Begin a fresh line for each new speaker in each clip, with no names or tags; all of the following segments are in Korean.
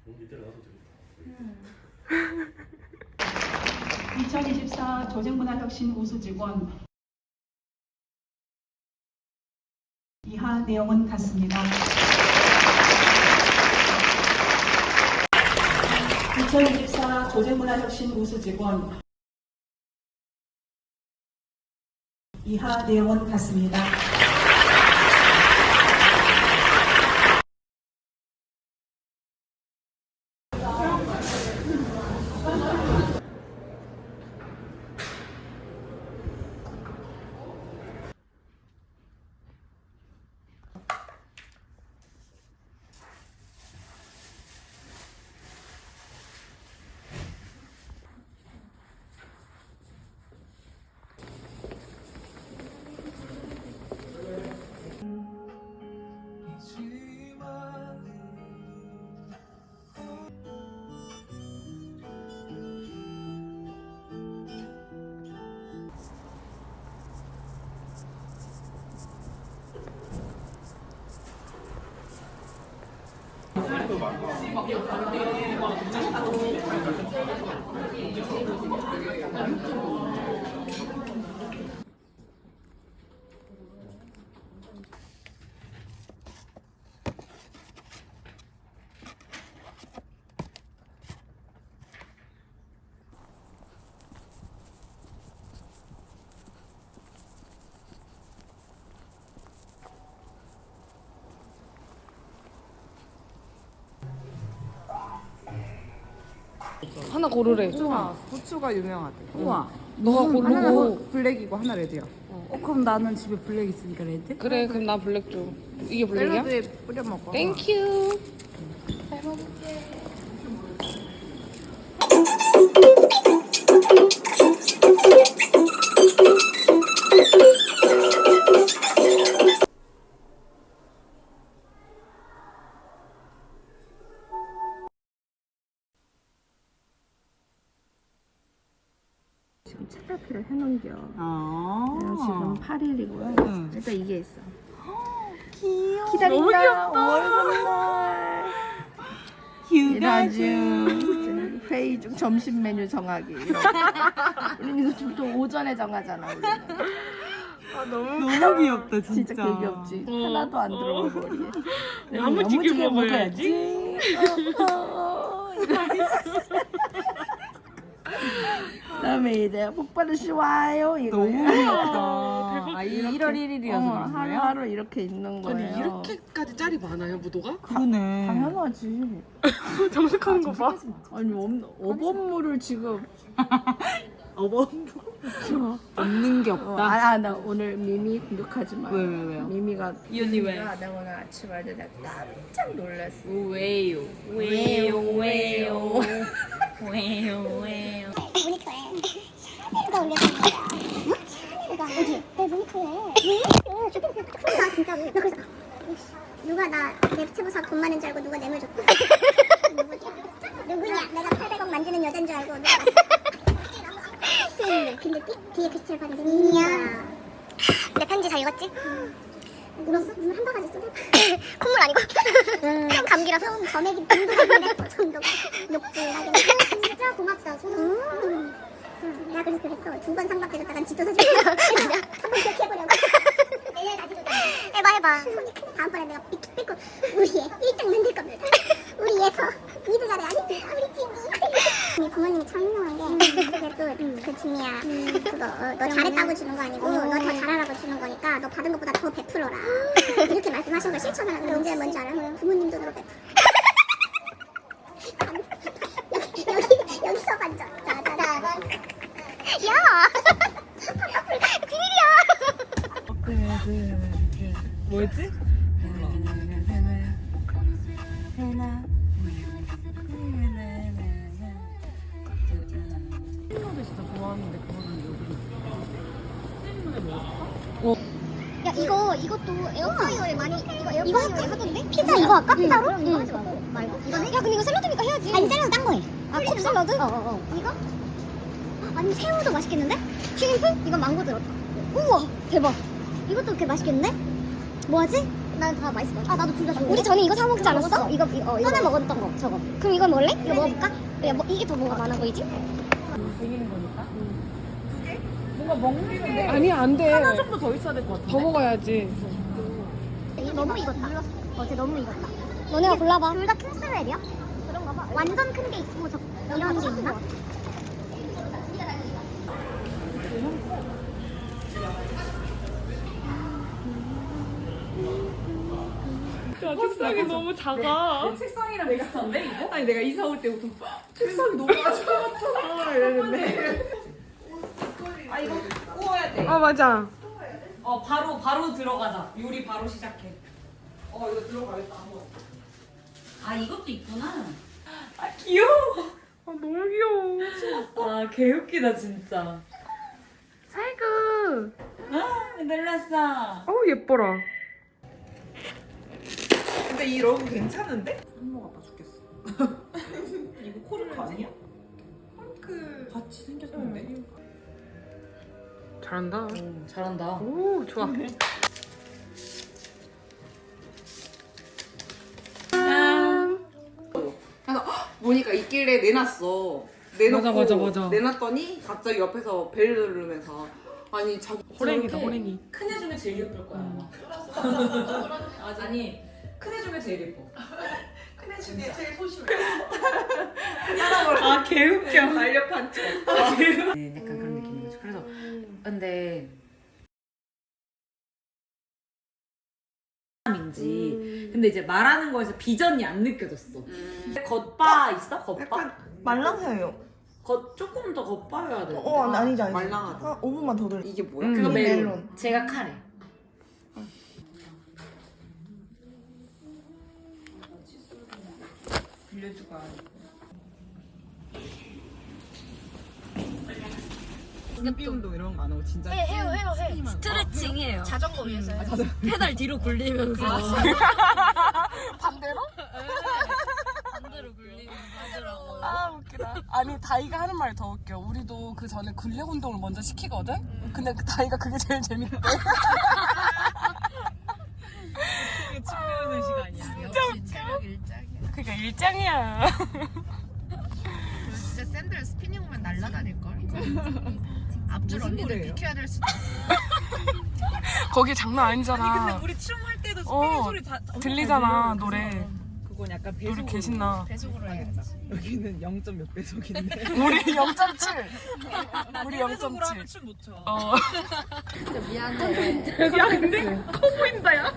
이때 나도 되겠다.
2024 조직문화혁신 우수직원 이하 내용은 같습니다. 2024 조직문화혁신 우수직원 이하 내용은 같습니다.
하나 고르래.
후추가 유명하대.
우와.
너가
하나는
고르고.
블랙이고 하나 레드야.
그럼 나는 집에 블랙 있으니까 레드?
그래, 그럼 나 블랙 줘. 이게 블랙이야?
샐러드에 뿌려 먹어.
땡큐.
지금 차타피를 해놓은겨.
아.
지금 8일이고요.
응.
일단 이게 있어.
귀여워.
기다린다.
너무 귀엽다.
5월 선물.
휴가중.
회의 중 점심 메뉴 정하기. 우리는 이거 또 오전에 정하잖아. 우리는.
너무 귀엽다 진짜.
진짜 개 귀엽지. 하나도 안 들어가 머리에.
야무지게 먹어야지.
그다음에 이제 폭발을 씌워요 이거.
너무 귀엽다. 아 1월 1일이어서
하루하루 이렇게 있는 거예요.
아니, 이렇게까지 짤이 많아요, 무도가?
그러네.
당연하지.
정색하는 거 봐.
아니 어범물을 지금
없는 게 없다.
나 오늘 미미 공격하지 마.
왜요?
미미가
이 언니 왜?
내가 오늘 아침 할 때 내가 깜짝 놀랐어.
왜요?
왜요?
모니터에 샤넬가 올려진 거야. 샤넬가 어디? 내 모니터에 왜? 쇼핑몰 딱 풀어봐 진짜로. 나 그래서 누가 나 내 채무사 돈 많은 줄 알고 누가 뇌물 줬고 누구냐? 내가 800억 만지는 여잔 줄 알고 누가 근데 뒤에 글씨를 봤는데 미미야. 내 편지 잘 읽었지? 울었어? 눈을 한 바가지 쏟아? 콧물 아니고 감기라서 점액이 눈도 감는데 정도 욕질하게 진짜 고맙다 소름. 내가 그래서 그랬어. 2번 상박해줬다간 집도 사주고 한번 기억해보려고. 내일 다시 도전. 해봐 손이 크네. 다음번에 내가 삐끗 우리 애 1등 만들 겁니다. 우리 애서 2등 아래 아닙니다. 우리 지미 부모님이 참 유명한 게 그게 또그 지미야 그거 너 잘했다고 주는 거 아니고 너 더 잘하라고 주는 거니까 너 받은 것보다 더 베풀어라 이렇게 말씀하신 걸 실천을 하는 게 언제 뭔지 알아요? 부모님 돈으로 베풀어. 여기서 만져. 자자자. 야. 비밀이야.
뭐였지?
샐러드 진짜 좋아하는데 그거는 여기.
야 이것도 에어프라이어에 많이 이거 하던데? 피자 이거 할까? 피자로? 그럼 이거 하지 말고 이거는? 야 근데 이거 샐러드니까 해야지. 아니 샐러드 딴 거해. 컵 샐러드? 이거? 아니 새우도 맛있겠는데? 슈림프? 이건 망고 들었다. 우와 대박. 이것도 그렇게 맛있겠는데? 뭐하지? 난 다 맛있을 것 같아. 아, 나도 둘 다 좋아. 우리 전에 이거 사 먹지 않았어? 이거 전에 먹었던 거 저거. 그럼 이거 먹을래? 이거 먹어볼까? 야, 뭐, 이게 더 뭐가 많아 보이지?
아니 안 돼.
하나 정도 더 있어야 될 것 같은데.
더 먹어야지.
이거 너무 익었다. 쟤 너무 익었다. 너네가 골라봐. 둘 다 킹스웰이야? 그런가 봐. 완전 큰 게 있고 이런 게 있나?
야 책상이 너무 작아.
책상이랑 비슷한데 이거? 아니 내가 이사 올 때부터 책상이 너무 작아 이랬는데. 아 이거 구워야 돼.
아 맞아.
바로 들어가자. 요리 바로 시작해. 이거 들어가겠다. 아 이것도 있구나. 아 귀여워.
아 너무 귀여워.
아 개웃기다 진짜.
아이고.
아 놀랐어.
어우 예뻐라.
근데 이 러브 괜찮은데?
한모 아빠 죽겠어. 이거 코르크 아니야?
헐크
같이 생겼는데.
잘한다.
오, 잘한다.
오 좋아.
그래서 보니까 있길래 내놨어. 내놓고
맞아.
내놨더니 갑자기 옆에서 벨 누르면서 아니 자기
호랭이다
저렇게
호랭이.
큰 애 중에 제일 예쁠 거야 아마. 아니 큰 애 중에 제일 예뻐.
큰애 중에 제일 소심해.
아 개웃겨.
날렵한 척.
네, 약간 그런 느낌인 거죠. 그래서 근데 인지 근데 이제 말하는 거에서 비전이 안 느껴졌어. 겉바 있어? 겉바?
약간 말랑해요.
조금 더 겉바여야 돼.
아니지.
말랑하다.
한 5분만 더 돌려.
이게 뭐야?
그거
이
멜론.
멜론.
제가 카레.
빌려주고 눈비 운동 이런 거 안 하고 진짜
해요.
스트레칭이에요.
자전거 위에서 해.
페달 뒤로 굴리면서.
반대로?
반대로 굴리면 하더라고.
아 웃기다. 아니 다이가 하는 말이 더 웃겨. 우리도 그 전에 근력 운동을 먼저 시키거든. 근데 그 다이가 그게 제일 재밌대.
그게 침 배우는 시간이야.
역시 체력 일장이야.
그러니까 일장이야.
진짜 샌들 스피닝 오면 날아다닐걸? 앞줄 언니들 비켜야 될 수도 있어.
거기 장난 아니잖아.
근데 우리 춤할 때도 스피닝 소리 다
들리잖아 노래.
그건 약간
우리
배속으로.
개신나.
배속으로 해야겠다.
여기는 0. 몇 배속인데.
우리 0.7. 우리
배속으로 하면
0.7.
춤 못 춰.
미안해. 야 근데 커 보인다 야.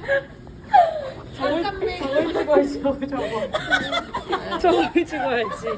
저걸 찍어야지 저걸 찍어야지.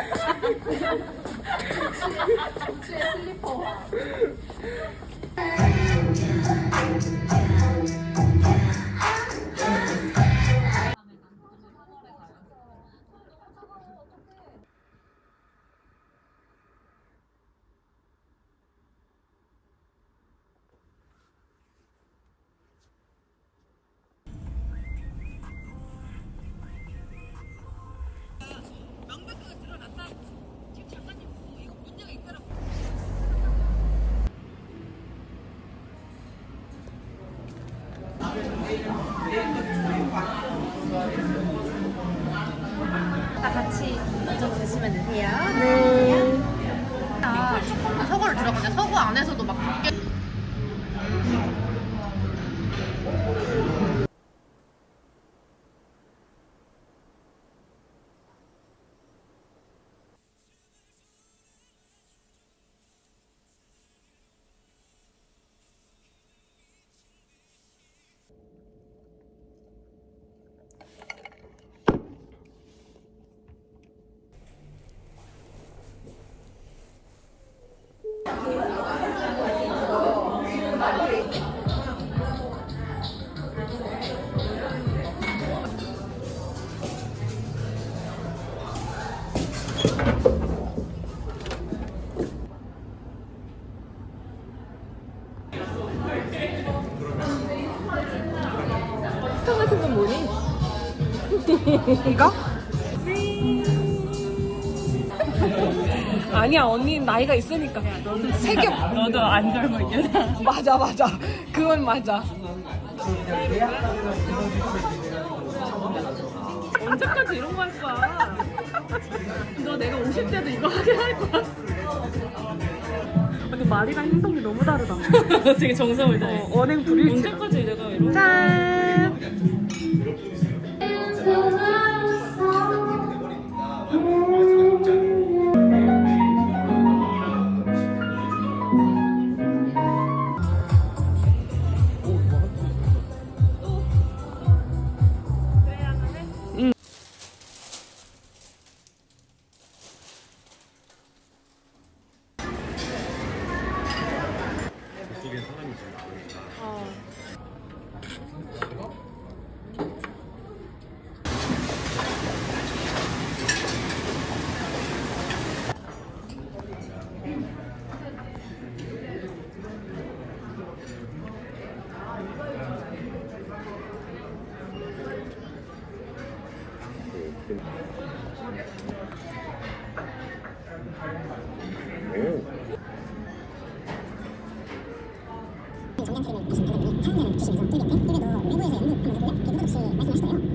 다 같이 먼저 드시면 되세요. 네. 서구를 들어가냐? 서구 안에서도 막 밖에. 이거? 아니야 언니는 나이가 있으니까. 세겹. 너도 안 젊어 이제. 맞아. 그건 맞아.
언제까지 이런 거 할 거야? 너 내가 50대도 이거 하게 할 거야? 근데 말이랑 행동이 너무 다르다. 되게 정성을 다해. 언행 불일치. 언제까지 내가 이런
짠!
그쪽에 사람이 지금
정량 트림을 하시는 분은 사용자는 90에서 100회, 1배도 외부에서 연극하는 거고요. 그리고 혹시 말씀하실 거예요.